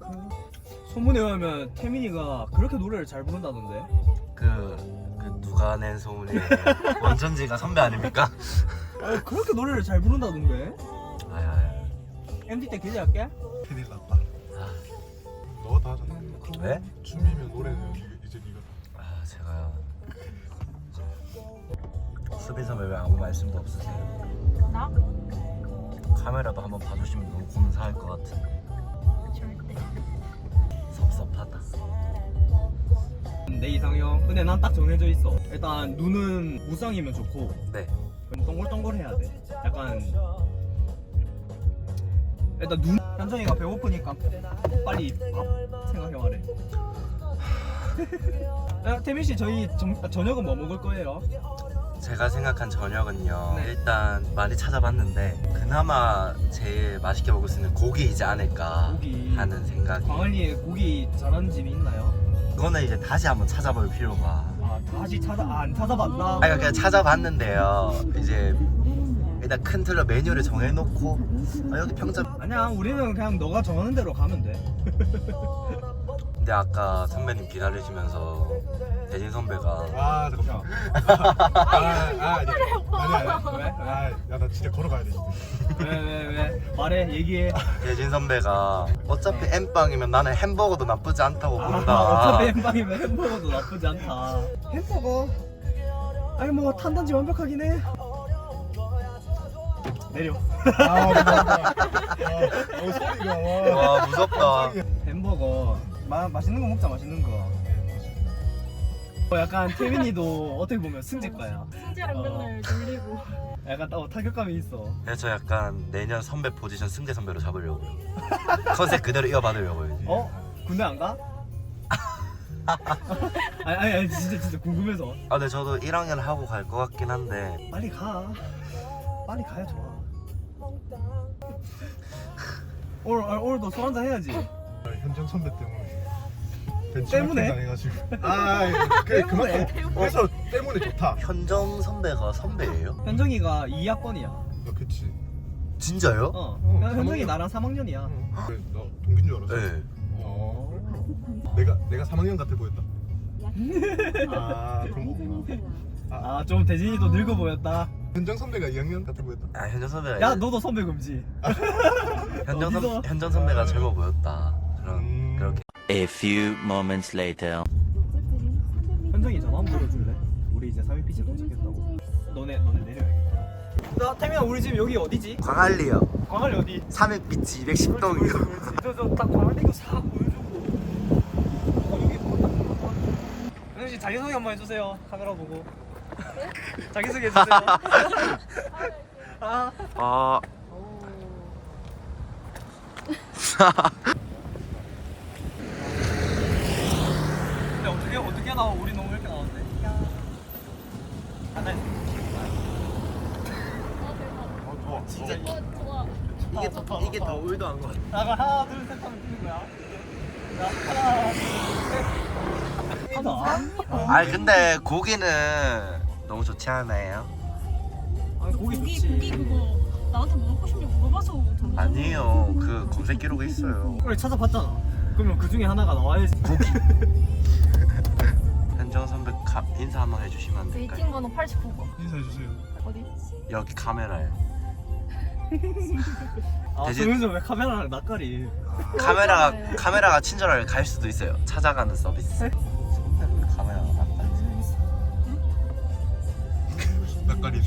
소문에 의하면 태민이가 그렇게 노래를 잘 부른다던데. 그 누가 낸 소문이에요? 원천지가 선배 아닙니까? 그렇게 노래를 잘 부른다던데. 아야. MD 때 기대할게. 큰일 났다. 너가 다 하잖아. 왜? 춤이면 노래는 이제 네가. 아 제가요. 수빈 선배 왜 아무 말씀도 없으세요? 나? 카메라도 한번 봐주시면 너무 감사할 것 같은데. 절대. 섭섭하다. 내 이상형. 근데 난 딱 정해져 있어. 일단 눈은 무쌍이면 좋고. 네. 동글동글해야 돼. 약간 일단 눈. 현정이가 배고프니까 빨리 밥 생각해봐래. 태민 씨 저희 저녁은 뭐 먹을 거예요? 제가 생각한 저녁은요. 네. 일단 많이 찾아봤는데 그나마 제일 맛있게 먹을 수 있는 고기이지 않을까 고기. 하는 생각이. 광안리에 고기 잘하는 집이 있나요? 그거는 이제 다시 한번 찾아볼 필요가. 아 다시 안 찾아봤나? 아니 그냥 찾아봤는데요. 이제 일단 큰 틀로 메뉴를 정해놓고 여기 평점. 아니야 우리는 그냥 너가 정하는 대로 가면 돼. 근데 아까 선배님 기다리시면서 대진 선배가 아 잠깐만. 아니야. 왜? 야나 진짜 걸어가야 돼. 왜? 말해 얘기해. 대진 선배가 어차피 M빵이면 나는 햄버거도 나쁘지 않다고 본다. 어차피 햄버거면 햄버거도 나쁘지 않다. 햄버거? 아니 뭐 탄단지 완벽하긴 해. 내려. 소리가 와 무섭다. 햄버거 맛있는 거 먹자. 맛있는 거. 약간 태민이도 어떻게 보면 승질과야. 승재랑 맨날 놀리고. 약간 타격감이 있어. 그래서 저 약간 내년 선배 포지션 승재 선배로 잡으려고요. 컨셉 그대로 이어받으려고요. 군대 안 가? 아니 진짜 궁금해서. 아 근데 저도 1학년 하고 갈 것 같긴 한데. 빨리 가. 빨리 가야 좋아. 오늘도 술 한잔 해야지. 현정 선배 때문에. 때문에? 당해가지고. 그래 그만큼. 그래서 때문에 좋다. 현정 선배가 선배예요? 현정이가 2학번이야. 그치. 진짜요? 현정이 나랑 3학년이야. 그래 너 동기인 줄 알았어. 네. 내가 3학년 같아 보였다. 그런 거구나. 좀 대진이도 늙어 보였다. 현정 선배가 2학년 같아 보였다. 아 현정 선배가 야 너도 선배 금지. 어디서? 현정 선배가 젊어 보였다. 그렇게. A few moments later. 현정이 전화 한번 걸어줄래? 우리 이제 3일 도착했다고. 너네 내려야겠다. 나 태민아 우리 집 여기 어디지? 광안리요. 광안리 어디? 300비치 210동이요. 저딱 광안리 이거 싹 보여주고. 여기 뭐 현정 씨 자기소개 한번 해주세요. 카메라 보고. 자기소개 해주세요. 아. 근데 어떻게 나와? 우리 너무 이렇게 나왔네. 좋아. 진짜 좋아. 이게 더 올드한 거 같아. 나가 하나 둘 셋 하면 뜨는 거야. 자 하나 둘 셋. 하나. 아니 근데 고기는 너무 좋지 않아요? 고기 고기 좋지. 그거 나한테 뭐 먹고 싶냐고 물어봐서 줬는데. 아니에요. 그 검색 기록에 있어요. 그래 찾아봤잖아. 그러면 그 중에 하나가 나와야지. 현정 선배 인사 한번 해주시면 안 될까요? 웨이팅 번호 89번. 인사해주세요. 어디? 여기 카메라에. 대신- 소윤서 왜 카메라랑 낯가리? 카메라가 친절하게 갈 수도 있어요. 찾아가는 서비스. 카메라가 낫다. 낯가리.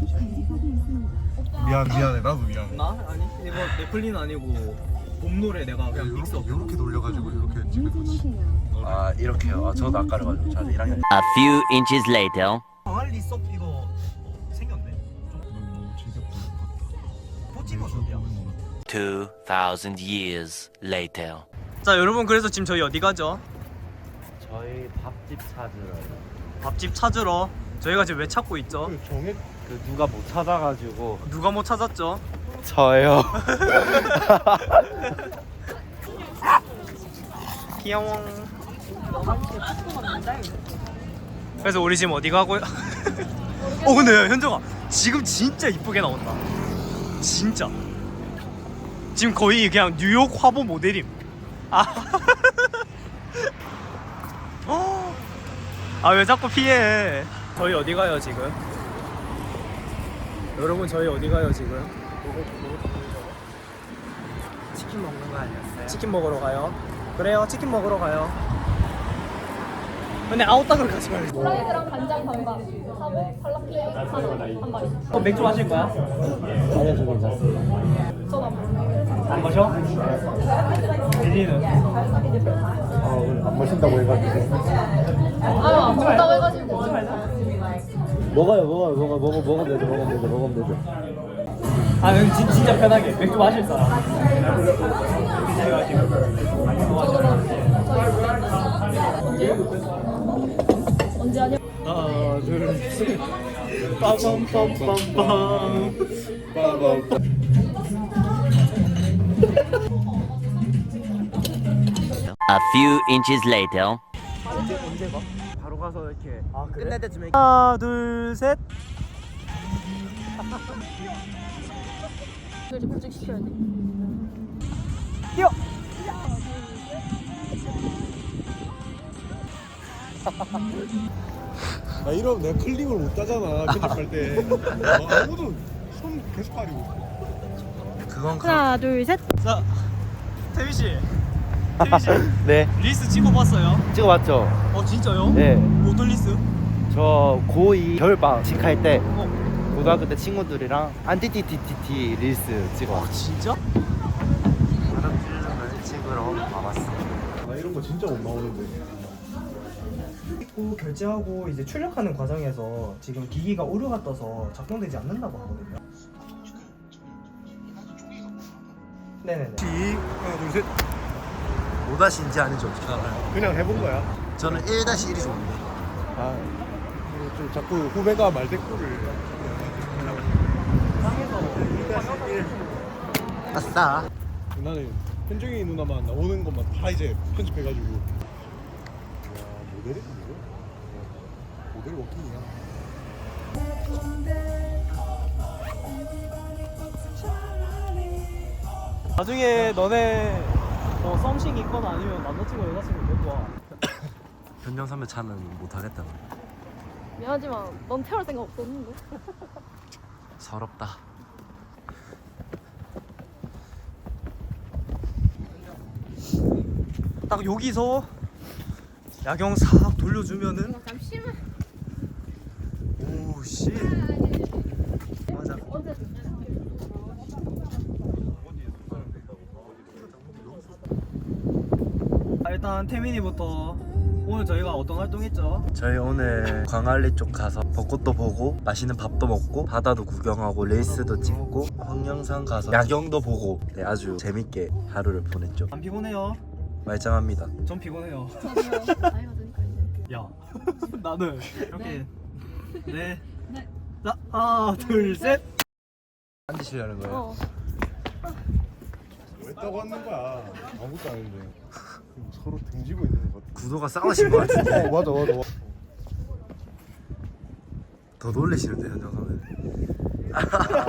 오빠. 미안해 나도 미안해. 나? 아니 이거 네플린 아니고 봄 노래 내가 그냥 믹스업. 요렇게 돌려가지고 이렇게 찍은 거지. 아 이렇게요. 아, 저도 아까를 가지고 저 1학년. A few inches later. 광안리 섭 이거 생겼네. 너무 즐겁다. 포집은 어디야? 2,000 years later. 자 여러분 그래서 지금 저희 어디 가죠? 저희 밥집 찾으러요. 밥집 찾으러. 저희가 지금 왜 찾고 있죠? 그 정해 그 누가 못 찾아가지고. 누가 못 찾았죠? 저요. 귀여워. 그래서 우리 지금 어디 가고요? 근데 현정아 지금 진짜 이쁘게 나온다. 진짜. 지금 거의 그냥 뉴욕 화보 모델임. 아 왜 자꾸 피해? 저희 어디 가요 지금? 여러분 저희 어디 가요 지금? 치킨 먹는 거 아니었어요? 치킨 먹으러 가요. 그래요 치킨 먹으러 가요. 근데 아웃닭을 가지 말고. 프라이드랑 간장 반반 하고 팔라플레이 한 마리. 맥주 마실 거야? 아니요 저 괜찮습니다. 전안 먹어요. 안 마셔? 릴리는? 안 마신다고 해가지고. 안 먹다고 해가지고. 먹으면 되죠. 아 응, 진짜 편하게 맥주 마실 사람. 언제 하냐? 하나 둘셋 빠밤빰빰빰. A few inches later. 바로 가서 이렇게 아 그래? 끝날 때쯤에 하나 둘셋. 이제 구직시켜야 돼. 뛰어. 나 이러면 내가 클립을 못 따잖아 편집할 때. 아무도 손 계속 가리고 있어. 그건 하나 둘 셋. 자 태민 씨. 네 리스 찍어봤어요? 찍어봤죠. 어 진짜요? 네. 어떤 리스? 저 고2 겨울방학 직할 때 어. 고등학교 때 친구들이랑 안티티티티티 릴스 찍어. 진짜? 다른 필름을 찍으러 와봤어. 나 이런 거 진짜 못 나오는데. 찍고 결제하고 이제 출력하는 과정에서 지금 기기가 오류가 떠서 작동되지 않는다고 하거든요. 네네네. 하나 둘 셋. 5-인지 아닌지 어떻게 알아요? 그냥 해본 거야. 저는 1-1이 좋은데. 아, 이거 좀 자꾸 후배가 말대꾸를. 아싸. 나는 현정이 누나만 나오는 것만 다 이제 편집해가지고. 야 모델이 뭐야? 모델 워킹이야. 나중에 너네 썸씽 있거나 아니면 남자친구 여자친구 데리고 와. 변정 선배 차는 못하겠다. 미안하지만 넌 태울 생각 없었는데. 서럽다. 딱 여기서 야경 싹 돌려주면은 잠시만. 오 씨. 맞아. 일단 태민이부터 오늘 저희가 어떤 활동했죠? 저희 오늘 광안리 쪽 가서 벚꽃도 보고 맛있는 밥도 먹고 바다도 구경하고 레이스도 찍고 황령산 가서 야경도 보고 네, 아주 재밌게 하루를 보냈죠. 안 피곤해요? 말짱합니다. 전 피곤해요. 저도요. 나이가 드니까 이제. 야 나는 이렇게 네. 자 하나 둘 셋. 앉으시려는 거예요? 왜 따고 왔는 거야? 아무것도 아닌데. 서로 등지고 있는 것 같아. 구도가 싸우신 것 같은데. 맞아. 더 놀리시는데 현정 선배.